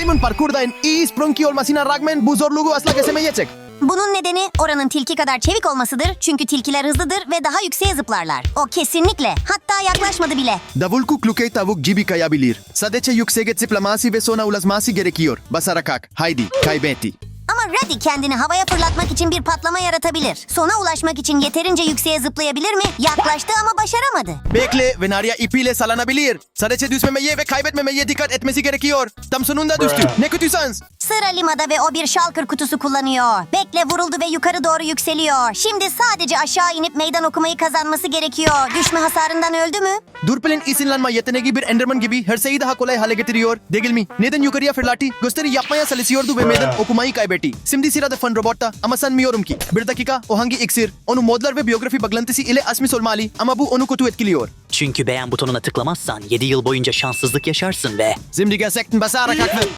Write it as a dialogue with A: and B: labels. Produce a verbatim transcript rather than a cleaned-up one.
A: Simon parkurda en iyi sprunki olmasına rağmen bu zorluğu asla kesemeyecek.
B: Bunun nedeni oranın tilki kadar çevik olmasıdır. Çünkü tilkiler hızlıdır ve daha yükseğe zıplarlar. O kesinlikle. Hatta yaklaşmadı bile.
A: Davul klukey tavuk gibi kayabilir. Sadece yükseğe zıplaması ve sonra ulaşması gerekiyor. Basarak. Haydi, kaybetti.
B: Ama Ruddy kendini havaya fırlatmak için bir patlama yaratabilir. Sona ulaşmak için yeterince yükseğe zıplayabilir mi? Yaklaştı ama başaramadı.
A: Bekle ve Narya ipiyle sallanabilir. Sadece düşmemeye ve kaybetmemeye dikkat etmesi gerekiyor. Tam sonunda düştü. Ne kötü şans.
B: Sıra Lima'da ve o bir şalkır kutusu kullanıyor. Bekle vuruldu ve yukarı doğru yükseliyor. Şimdi sadece aşağı inip meydan okumayı kazanması gerekiyor. Düşme hasarından öldü mü?
A: Durpel'in isinlenme yeteneği bir Enderman gibi her şeyi daha kolay hale getiriyor. Değil mi? Neden yukarıya fırlattı? Gösteri yapmaya çalışıyordu ve meydan okumayı kaybetti. Şimdi sırada Fun Robot'ta ama sanmıyorum ki. Bir dakika, o hangi iksir? Onu modlar ve biyografi bağlantısı ile açmış olmalı ama bu onu kötü etkiliyor.
C: Çünkü beğen butonuna tıklamazsan yedi yıl boyunca şanssızlık yaşarsın ve...
A: Şimdi gerçekten basarak haklı.